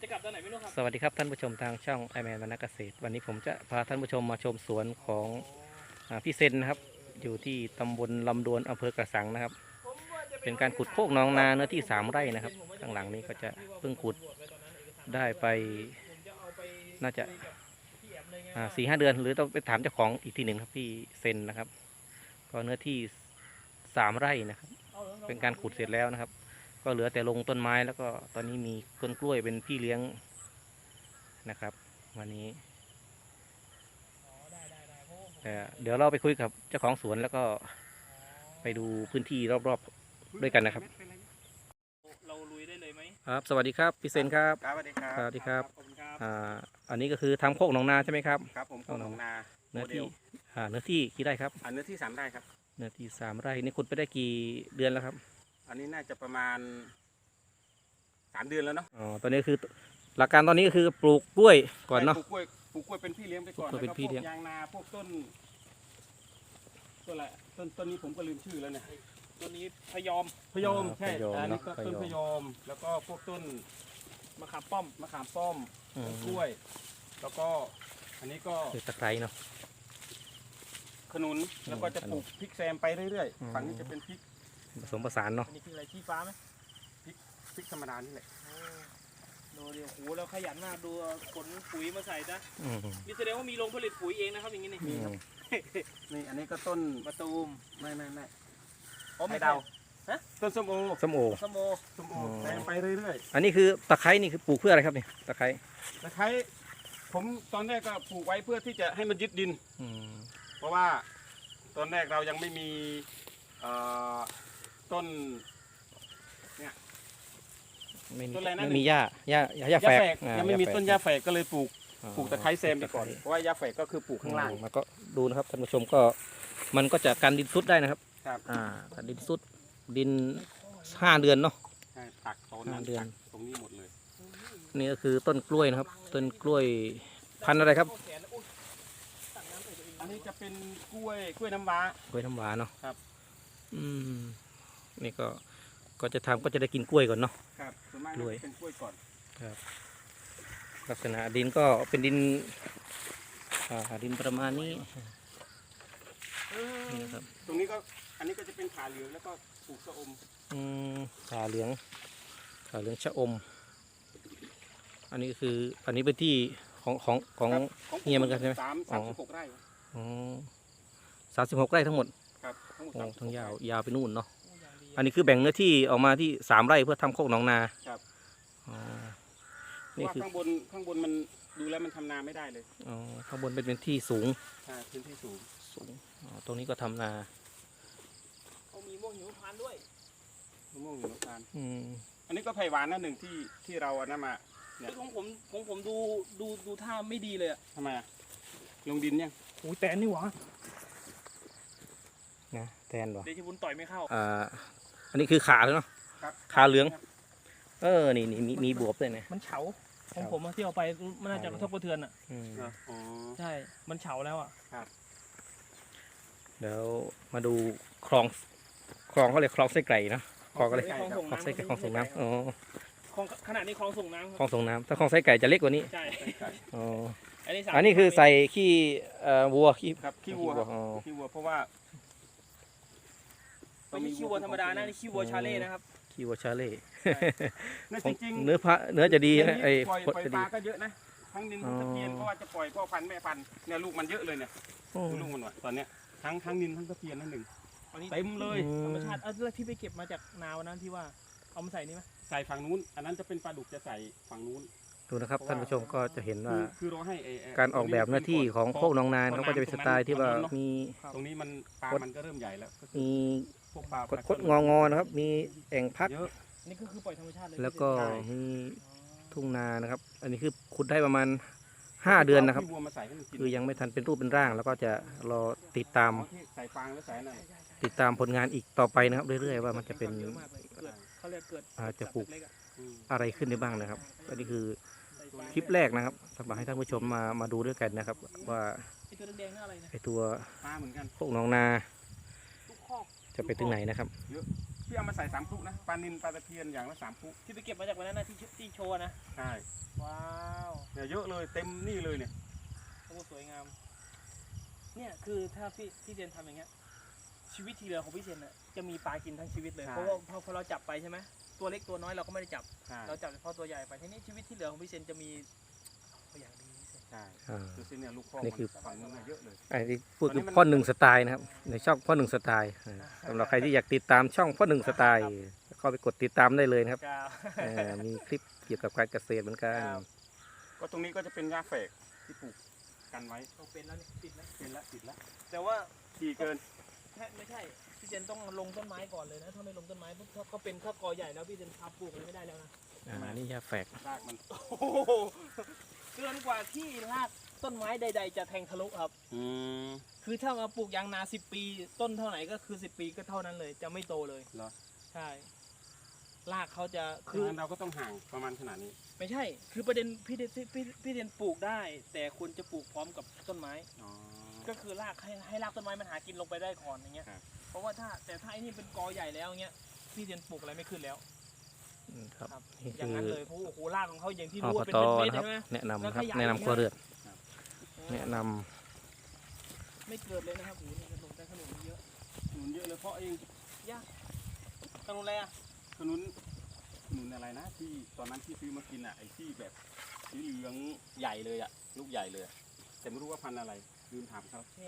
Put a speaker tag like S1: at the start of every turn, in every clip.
S1: จะกลับตอนไหนไม่รู้ครับ
S2: สวัสดีครับท่านผู้ชมทางช่องไอแมนวรรณเกษตรวันนี้ผมจะพาท่านผู้ชมมาชมสวนของพี่เซนนะครับอยู่ที่ตำบลลำดวนอำเภอกระสังนะครับเป็นการขุดโคกหนองนาเนื้อที่3 ไร่นะครับข้างหลังนี้ก็จะเพิ่งขุดได้ไปน่าจะ4-5 เดือนหรือต้องไปถามเจ้าของอีกทีหนึ่งครับพี่เซนนะครับก็เนื้อที่3 ไร่นะครับเป็นการขุดเสร็จแล้วนะครับก็เหลือแต่ลงต้นไม้แล้วก็ตอนนี้มีต้นกล้วยเป็นพี่เลี้ยงนะครับวันนี้เดี๋ยวเราไปคุยกับเจ้าของสวนแล้วก็ไปดูพื้นที่รอบๆด้วยกันนะครับ
S1: เราลุยได้เลยไหม
S2: ครับสวัสดีครับพี่เซนครับ
S3: ครับสวัสดีครับ
S2: สวัสดีครับ
S1: ขอบคุณครับ
S2: อันนี้ก็คือทำโคกหนองนาใช่ไหมครับ
S3: ครับผมโคกหนองนา
S2: เนื้อที่เนื้อที่กี่ไร่ครับ
S3: เนื้อที่3 ไร่ครับ
S2: เนื้อที่3 ไร่นี่ขุดไปได้กี่เดือนแล้วครับ
S3: อันนี้น่าจะประมาณ3 เดือนแล้วเนาะ
S2: อ๋อตอนนี้คือหลักการตอนนี้ก็คือปลูกกล้วยก่อนเนาะ
S3: ปลูกกล้วยเป็นพี่เลี้ยงไปก่อน
S2: ปลูกกล้วยเป็นพี่เลี้ยง
S3: ยางนาพวกต้นอะไรต้นนี้ผมก็ลืมชื่อแล้วเนี่ย
S1: ตัวนี้พยอม
S3: พยมใช่อันนี้ก็ต้นพยมแล้วก็พวกต้น
S1: มะขามป้อม
S3: ต้นกล้วย แล้วก็อันนี้ก็
S2: คือตะไคร้เนาะ
S3: ขนุนแล้วก็จะปลูกพริกแซมไปเรื่อยๆฝั่งนี้จะเป็นพริก
S2: ผสมผสานเนาะ
S1: อันนี้คืออะไรชี้ฟ้าไหม
S3: พริกธรรมดานี่แหละ
S1: ดูเดี๋ยวโหแล้วขยันมากดูขนปุ๋ยมาใส่นะ
S2: อืม
S1: มีแสดงว่ามีโรงผลิตปุ๋ยเองนะครับอย่างนี้นี่
S3: มีครับนี่อันนี้ก็ต้น
S1: มะตูม
S3: ไม่
S1: อ๋อไม่
S3: เดา
S1: ฮะ
S3: ต้นส้มโอ
S2: ส้มโอ
S3: แซมไปเรื่อยๆ
S2: อันนี้คือตะไคร้นี่คือปลูกเพื่ออะไรครับเนี่ยตะไคร้
S3: ตะไคร้ผมตอนแรกก็ปลูกไว้เพื่อที่จะให้มันยึดดิน เพราะว่าตอนแรกเรายังไม่มีต้นเนี่ย
S2: ไม่มีหญ้าแฝก
S3: ยังไม่มีต้นหญ้าแฝกก็เลยปลูกตะไคร้แซมไปก่อนเพราะว่าหญ้าแฝกก็คือปลูกข้างล่าง
S2: แล้วก็ดูนะครับท่านผู้ชมก็มันก็จะกันดินซุดได้นะครับ
S3: ครับ
S2: กันดินซุดดิน5 เดือนเนาะ
S3: ใช่ตักโซนนั้นตักตรงนี้หมดเลย
S2: นี่ก็คือต้นกล้วยนะครับต้นกล้วยพันธุ์อะไรครับ
S3: อันนี้จะเป็นกล้วยน้ำว้าก
S2: ล้วยน้ำว้าเนาะ
S3: ครับ
S2: นี่ก็จะทำก็จะได้กินกล้วยก่อนเนาะ
S3: ครับส่วนมากเป็นกล้วยก่อน
S2: ครับลักษณะดินก็เป็นดินดินประมาณนี้นี่นะครับ
S3: ตรงนี้ก็อันนี้ก็จะเป็นขาเหลืองแล้วก็ปลูกชะอม
S2: ขาเหลืองชะอมอันนี้คืออันนี้เป็นที่ของเฮียเหมือนกันใช่ไหม
S3: 36 ไร่
S2: 36 ไร่ทั้งหมด
S3: ครับ
S2: ทั้งยาวไปนู่นเนาะอันนี้คือแบ่งเนื้อที่ออกมาที่3 ไร่เพื่อทำโคกหนองนา
S3: ครับ
S2: นี่คือ
S3: ข้างบนมันดูแล้วมันทำนาไม่ได้เลย
S2: ข้างบนเป็นที่สูง
S3: พื้นที่สูง
S2: ตรงนี้ก็ทำนา
S1: เขามีม่วงหิมพานต์ด้วย
S3: ม่วงหิมพานต์อันนี้ก็ไผ่หวานนั่นหนึ่งที่เราเอานำมา
S1: เนี่ยของผมดูท่าไม่ดีเลยอะ
S3: ทำไมลงดินยัง
S1: โอ้ยแตนนี่หวะ
S2: นะแตนหรอ
S1: เดชบุญต่อยไม่เข้า
S2: อันนี้คือขาเลยเนาะขาเหลืองนี่มีบวบเลยเนี่ย
S1: มันเฉาของผมที่เอาไปมันน่าจะกระทบกระเทือนอ่ะใช่มันเฉาแล้วอ่ะ
S2: เดี๋ยวมาดูคลองเขาเรียกคลองไส้ไก่เนาะคลองก็เลยคลองไส้ไก่คลองส่งน้ำ
S1: ขนาดนี้คลองส่งน้ำ
S2: คลองส่งน้ำถ้าคลองไส้ไก่จะเล็กกว่านี้
S1: ใช่
S2: อันนี้คือใส่ขี้วัว
S3: ขี้วัวเพราะว่า
S1: ไม่ใช่ขี้วัวธรรมดานะนี่ขี้วัวชาเล่นะครับ
S2: ขี้วัวชาเล่
S3: จริง
S2: เนื้อจะดีนะ
S3: ปล่อยปลาก็เยอะนะทั้งดินทั้งตะเพียนเพราะว่าจะปล่อยพ่อพันธุ์แม่พันธุ์เนี่ยลูกมันเยอะเลยเนี่ยลูกมันตอนเนี้ยทั้งดินทั้งตะเพียนนั่นหนึ่งเต็มเลย
S1: ธรรมชาติแล้วที่ไปเก็บมาจากนาวันนั้นที่ว่าเอามาใส่นี่ไหม
S3: ใส่ฝั่งนู้นอันนั้นจะเป็นปลาดุกจะใส่ฝั่งนู้น
S2: ดูนะครับท่านผู้ชมก็จะเห็นว่า
S3: คือเราให้
S2: การออกแบบหน้าที่ของโคกหนองนาเขาก็จะเป็นสไตล์ที่ว่ามี
S3: ตรงนี้มันปลามันก็เริ่มใหญ่แล้ว
S2: มีคดงอนะครับมีแอ่งพัก
S1: นี่ก็คือปล่อยธรรมชาติเลย
S2: แล้วก็มีทุ่งนานะครับอันนี้คือขุดได้ประมาณ5 เดือนนะครับคือยังไม่ทันเป็นรูปเป็นร่างแล้วก็จะรอติดตามผลงานอีกต่อไปนะครับเรื่อยๆว่ามันจะเป็นจะปลูกอะไรขึ้นได้บ้างนะครับอันนี้คือคลิปแรกนะครับสำหรับให้ท่านผู้ชมมาดูด้วยกันนะครับว่าไอตัวโคกหนองนาจะไปถึงไหนนะครับ
S3: พี่เอามาใส่3 พลุนะปลานิลปลาตะเพียนอย่างละ3 พลุ
S1: ที่ไปเก็บมาจากวันนั้นนะที่โชว์นะ
S3: ใช่เนี่ยเยอะเลยเต็มนี่เลยเนี่ย
S1: โอ้สวยงามเนี่ยคือถ้าพี่เจนทำอย่างเงี้ยชีวิตที่เหลือของพี่เจนน่ะจะมีปลากินทั้งชีวิตเลยเพราะว่าพอเราจับไปใช่ไหมตัวเล็กตัวน้อยเราก็ไม่ได้จับ
S3: ใช่
S1: เราจับเฉพาะตัวใหญ่ไปทีนี้ชีวิตที่เหลือของพี่เจนจะมีอย่างดีพี่เจน
S3: ใช่
S2: อ่า
S3: ดูสิเนี่ยลูกพ่อ
S2: นี่คือ
S3: ฝั่งนู้นน่ะเยอะเลย
S2: ไอ้ที่พูดคือพ่อหนึ่งสไตล์นะครับในช่องพ่อหนึ่งสไตล์สำหรับใครที่อยากติดตามช่องพ่อหนึ่งสไตล์เข้าไปกดติดตามได้เลยนะครับ
S1: ครับ
S2: มีคลิปเกี่ยวกับการเกษตรเหมือนกัน
S1: ครับ
S3: ก็ตรงนี้ก็จะเป็นหญ้าแฝกที่ปลูกกันไว้
S1: ต้องเป็นแล้วนี่ติดแล้ว
S3: เป็นละติดละ
S1: แต่ว่า
S3: ดีเกิน
S1: ไม่ใช่พี่เจนต้องลงต้นไม้ก่อนเลยนะถ้าไม่ลงต้นไม้ปุ๊บถ้าเขาเป็นข้าวกอใหญ่แล้วพี่เจนทำปลูกอะไรไม่ได้แล้วนะ
S2: นี่ยาแฝก
S3: รากมัน
S1: โอ้โหเกินกว่าที่รากต้นไม้ใด ๆ จะแทงทะลุครับ
S3: อืม
S1: คือถ้ามาปลูกยางนา10 ปี ต้นเท่าไหร่ก็คือ10 ปีก็เท่านั้นเลย จะไม่โตเลย
S3: เหรอ
S1: ใช่รากเขาจะ
S3: คื
S1: คือ อ
S3: เราก็ต้องห่างประมาณขนาดนี้
S1: ไม่ใช่ คือประเด็นพี่เรียนปลูกได้ แต่คุณจะปลูกพร้อมกับต้นไม้
S3: อ๋อ
S1: ก็คือรากให้รากต้นไม้มันหากินลงไปได้ก่อนอย่างเงี้ย
S3: ครับ
S1: เพราะว่าถ้าไอ้นี่เป็นกอใหญ่แล้วเงี้ยพี่เรียนปลูกอะไรไม่ขึ้นแล้ว
S2: ครับ
S1: ครับ
S2: นี่
S1: อย่าง
S2: คื
S1: นั้น
S2: อ
S1: เลยเพราะโอ้โหรากของเขาอย่างที่
S2: อ
S1: รู้
S2: ป
S1: ว่าเป็น
S2: ต
S1: เม็ด
S2: นะครับ
S1: ใช่ไหม
S2: แนะนำ
S1: แล้ว
S2: ครับ
S1: ขยาย
S2: แนะนำครัวเรือนแนะน
S1: ไม่เกิดเลยนะครับโอ้โหนี่กระลงได้ขนุนเยอะ
S3: ขนุนเยอะเลยเพราะเอง
S1: ขนุนอะไรอ่ะ
S3: ขนุนอะไรนะที่ตอนนั้นที่ซื้อมากินอ่ะไอ้ที่แบบสีเหลืองใหญ่เลยอ่ะลูกใหญ่เลยอะแต่ไม่รู้ว่าพันธุ์อะไรลืมถามเขา
S1: เนี่ย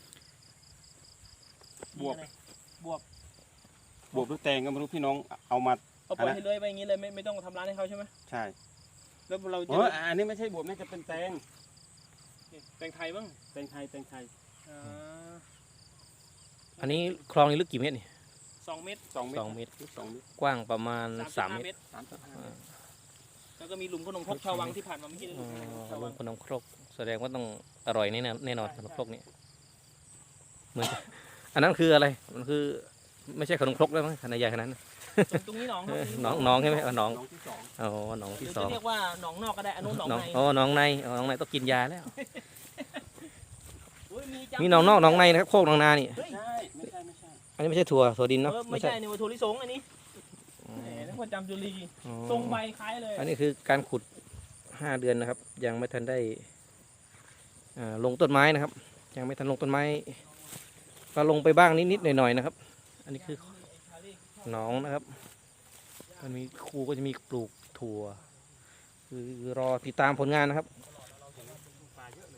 S3: บวบ
S1: นี่อะไรบวบบ
S3: วบหรือแตงก็ไม่รู้พี่น้องเอามา
S1: เอาปล่อยให้เลื้อยไปอย่างนี้เลยไม่ต้องทำร้านให้เขาใช่ไหม
S3: ใช่
S1: แล้วเราจะ
S3: โอ้ยอันนี้ไม่ใช่บวบน่าจะเป็นแตง
S1: แตงไทยบ้าง
S3: แตงไทยแตงไทย
S1: อ่า
S2: ำอันนี้คลองนี้ลึกกี่เมตรนี่
S1: 2 เม็ด
S3: 2 เมตร
S2: 2 เมตร
S3: 2 เมตร
S2: กว้างประมาณ 3
S1: 3.5
S2: เมตร
S3: 3.5 เมตร
S1: แล้วก็มีหลุมขนมครกชาววังที่ผ่านมาเมื่อกี้เลยหลุมขนมครกชาว
S2: ร
S1: วั
S2: ว
S1: ง
S2: มขนมครกแสดงว่าต้องอร่อยแน่นอนขนมครกนี่เหมือนอันนั้นคืออะไรมันคือไม่ใช่ขนมครกแล้วมั้งขนาดใหญ่ขนาดนั้น
S1: ตรงนี้หนองครับ
S2: น้องใช่ไหมน้อง
S3: น้องที่ 2
S2: อ๋อน้อง
S1: ห
S2: ที่
S1: รือ
S2: สอ
S1: จะ
S2: ง
S1: เรียกว่าหนองนอกก็ได้อันนู้นหนอง
S2: น้อง
S1: ใน
S2: อ๋อน้องในน้องในต้องกินยาแล้ว
S1: เฮ้ยจัง
S2: มีน้องนอกน้องในนะครับโคกน้องนานี่
S1: เฮ้ย
S3: ใช่ไม่ใช่
S2: อันนี้ไม่ใช่ถั่วดินเนาะ
S1: ไม่ใช่นี่ว่าถั่วลิสงอันนี้แหมนึกว่าจำจุลี
S2: อ๋อ
S1: ทรงใบคล้ายเลย
S2: อันนี้คือการขุด5 เดือนนะครับ ยังไม่ทันได้ลงต้นไม้นะครับ ยังไม่ทันลงต้นไม้ก็ลงไปบ้างนิดๆหน่อยๆนะครับ อันนี้คือหนองนะครับ มันมีครูก็จะมีปลูกถั่ว คือรอติดตามผลงานนะครับ
S3: ปลาเยอะเลย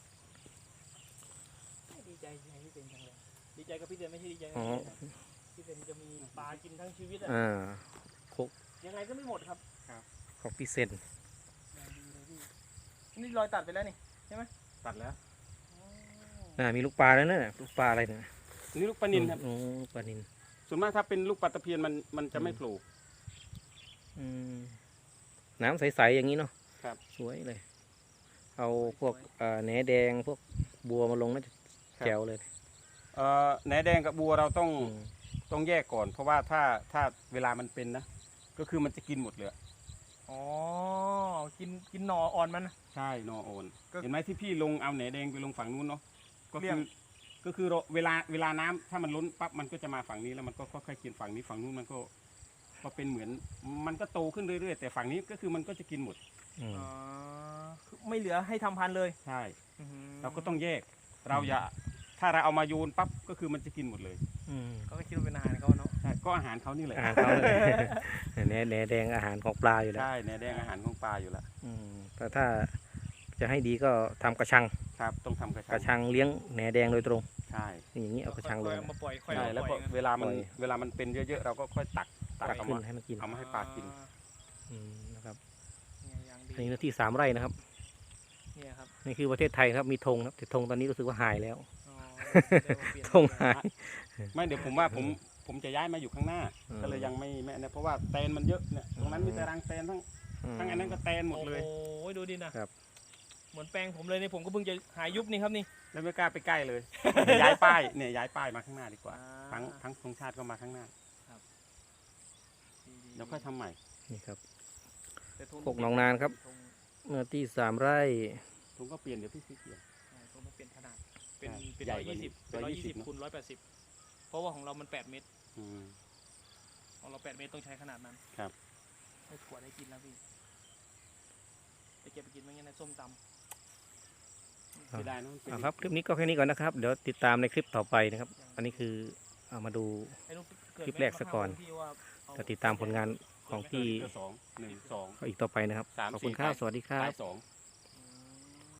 S1: ดีใจพี่เป็นจังเลยดีใจกับพี่เดนไม่ใช่ดีใจกับ
S2: อ๋อ
S1: พี่เดนจะมีปลากินทั้งชีวิตอะ
S2: อ่า
S1: ยังไงก็ไม่หมดครับ
S2: ของพี่เซน
S1: อย่างดีเลยพี่นี่รอยตัดไปแล้วนี่
S3: ตัดแล้ว
S2: มีลูกปลาแล้วเนี่ยลูกปลาอะไรเนี่ย
S3: นี่ลูกปลานิลครับ
S2: โอ้ปลานิน
S3: ส่วนมากถ้าเป็นลูกปลาตะเพียนมันจะไม่โผล่
S2: อืมน้ำใสๆอย่างนี้เนาะ
S3: ครับ
S2: สวยเลย เอาพวกแหนแดงพวกบัวมาลงน่าจะแจ๋วเลย
S3: แหนแดงกับบัวเราต้อง
S2: อืม
S3: ต้องแยกก่อน เพราะว่าถ้าเวลามันเป็นนะก็คือมันจะกินหมดเลย
S1: อ๋อกินหน่ออ่อนมันนะ
S3: ใช่นอโอน
S1: ก็
S3: เห็นไหมที่พี่ลงเอาแหนแดงไปลงฝั่งนู้นเนาะก็
S1: เลี่
S3: คื
S1: ย
S3: อง ก็คือเวลาน้ำถ้ามันล้นปั๊บมันก็จะมาฝั่งนี้แล้วมันก็ค่อยๆกินฝั่งนี้ฝั่งนู้นมันก็เป็นเหมือนมันก็โตขึ้นเรื่อยๆแต่ฝั่งนี้ก็คือมันก็จะกินหมด
S2: อืม
S1: อ๋อคือไม่เหลือให้ทำพันธุ์เลย
S3: ใช่
S1: อื้อหือ
S3: เราก็ต้องแยกเราอย่าถ้าเราเอามาโยนปั๊บก็คือมันจะกินหมดเลย
S2: อืม
S1: เขาก็คิดว่าเป็นอาหารเขาเนาะ
S3: ใช่ก็อาหารเขานี่แหละ
S2: อาหารเขาเลย แหนแดงอาหารของปลาอยู่แล้ว
S3: ใช่แหนแดงอาหารของปลาอยู่แล้ว
S2: อืมแต่ถ้าจะให้ดีก็ทำกระชัง
S3: ครับต้องทำกระ
S2: กระ
S3: ชั
S2: ชั
S3: ง
S2: งเลี้ยงแหนแดงโดยตรง
S3: ใช่
S2: อย่างนี้เอากระชังเลย
S1: เอามาปล่อยค่อย
S3: ใช่
S1: เอา
S3: แล้ว
S1: ป
S3: ก็
S1: ล่อย
S3: เวลามัน
S2: ปล่อย
S3: เวลามันเป็นเยอะๆเราก็ค่อยตัก
S2: ตัก
S3: เอา
S2: ขึ้น
S3: มา
S2: ให้มันกิน
S3: เอามาให้ปลากิน
S2: นะครับ
S1: เนี่ยอย่างดี
S2: อันนี้เนื้อที่3 ไร่นะครับ
S1: เนี่ยครับ
S2: นี่คือประเทศไทยครับมีธงครับแต่ธงตอนนี้รู้สึกว่าหายแล้ว
S1: อ๋อเดี๋ยวเปลี่ยน
S2: ธงหาย
S3: ไม่เดี๋ยวผมว่าผมจะย้ายมาอยู่ข้างหน้า
S2: อืม
S3: ก็เลยยังไม่นะเพราะว่าแตนมันเยอะเนี่ยตรงนั้นมีแต่รังแตนทั้งอันนั้นก็แตนหมดเลย
S1: โอ้ยดูดินะครับ เหมือนแปลงผมเลยเนี่ยผมก็เพิ่งจะหายุบนี่ครับนี่
S3: แล้วไม่กล้าไปใกล้เลย ย้ายป้ายเนี่ยย้ายป้ายมาข้างหน้าดีกว่า
S1: อ่า
S3: ทั้งธงชาติก็มาข้างหน้า
S1: ดีๆ
S3: เดี๋ยวค่อยทำใหม่
S2: นี่ครับ
S1: แต่ธง
S2: พวกหนองนานครับ
S1: ธง
S2: เนื้อที่3 ไร่
S3: ผมก็เปลี่ยนเดี๋ยวพี่ซื้อเปลี่ยน
S1: ใช่ธงมันเปลี่ยนขนาดเป็น
S3: ใช่
S1: เป็น
S3: ใหญ่
S1: 120
S3: กว่านี้
S1: เป็น
S3: 120
S1: 120คูณ180เพราะว่าของเรามัน8 เมตร
S3: อืม
S1: ของเรา8 เมตรต้องใช้ขนาดนั้น
S3: ครับ
S1: ให้ขวดให้กินแล้วพี่แต่เก็บไปกินมันงั้นในส้มตำ
S3: เสียดายเนอะมันเป็น
S2: ครับคลิปนี้ก็แค่นี้ก่อนนะครับเดี๋ยวติดตามในคลิปต่อไปนะครับอันนี้คือเอามาดู
S1: ให้ลูกเกิด
S2: คลิปแรกซะก่อน
S1: ที่ว่าเอา
S2: จะติดตามผลงานของพี่
S3: 2 1 2
S2: อีกต่อไปนะครับ
S3: 3
S2: ขอบคุณ
S3: 4
S2: ครับสวัสดีครับ
S3: ท้าย2